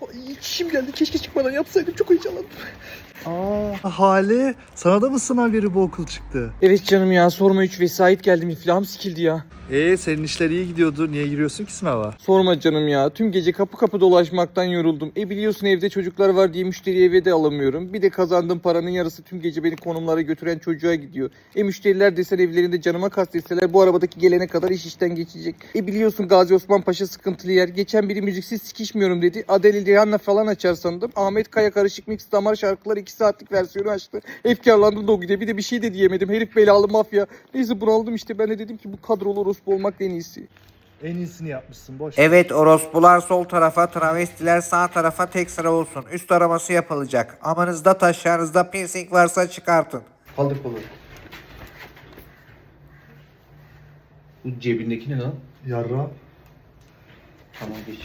Ay, çişim geldi. Keşke çıkmadan yapsaydım. Çok heyecanlandım. Hale, sana da mı sınav yeri bu okul çıktı? Evet canım ya, sorma, 3 vesait geldim. İflahım sikildi ya. Senin işler iyi gidiyordu. Niye giriyorsun ki sınava? Sorma canım ya. Tüm gece kapı kapı dolaşmaktan yoruldum. Biliyorsun evde çocuklar var diye müşteriyi eve de alamıyorum. Bir de kazandığım paranın yarısı tüm gece beni konumlara götüren çocuğa gidiyor. Müşteriler desen evlerinde canıma kastetseler bu arabadaki gelene kadar iş işten geçecek. Biliyorsun Gazi Osman Paşa sıkıntılı yer. Geçen biri müziksiz sikişmiyorum dedi. Adele Rihanna falan açar sandım. Ahmet Kaya karışık mix damar şarkılar 2 saatlik versiyonu açtı. Efkarlandım da o gide. Bir de bir şey de diyemedim. Herif belalı mafya. Neyse bunaldım işte. Ben de dedim ki bu kadrolu orospu olmak en iyisi. En iyisini yapmışsın, boş ver. Evet, orospular sol tarafa, travestiler sağ tarafa tek sıra olsun. Üst araması yapılacak. Amanızda taşlarınızda piercing varsa çıkartın. Kaldır kolu. Bu cebindeki ne lan? Yarra. Tamam geç.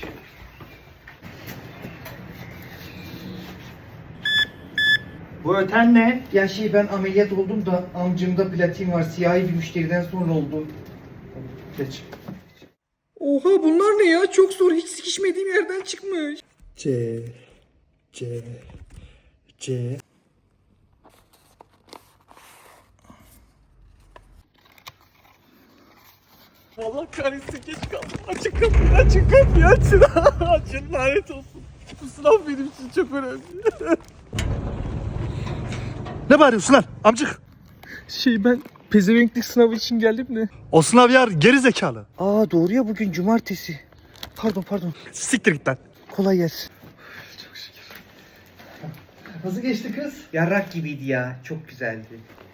Bu öten ne? Ya ben ameliyat oldum da amcımda platin var. Siyahi bir müşteriden sonra oldu. Geç. Oha bunlar ne ya? Çok zor. Hiç sikişmediğim yerden çıkmış. C. Allah kahretsin, geç kaldım. Açın kapıyı, açın kapıyı, açın. Açın, lanet olsun. Bu sınav benim için çok önemli. Ne bağırıyorsun lan amcık? Ben pezevenklik sınavı için geldim de. O sınav yar geri zekalı. Doğru ya, bugün cumartesi. Pardon. Siktir git lan. Kolay gelsin. Nasıl geçti kız? Yarrak gibiydi ya. Çok güzeldi.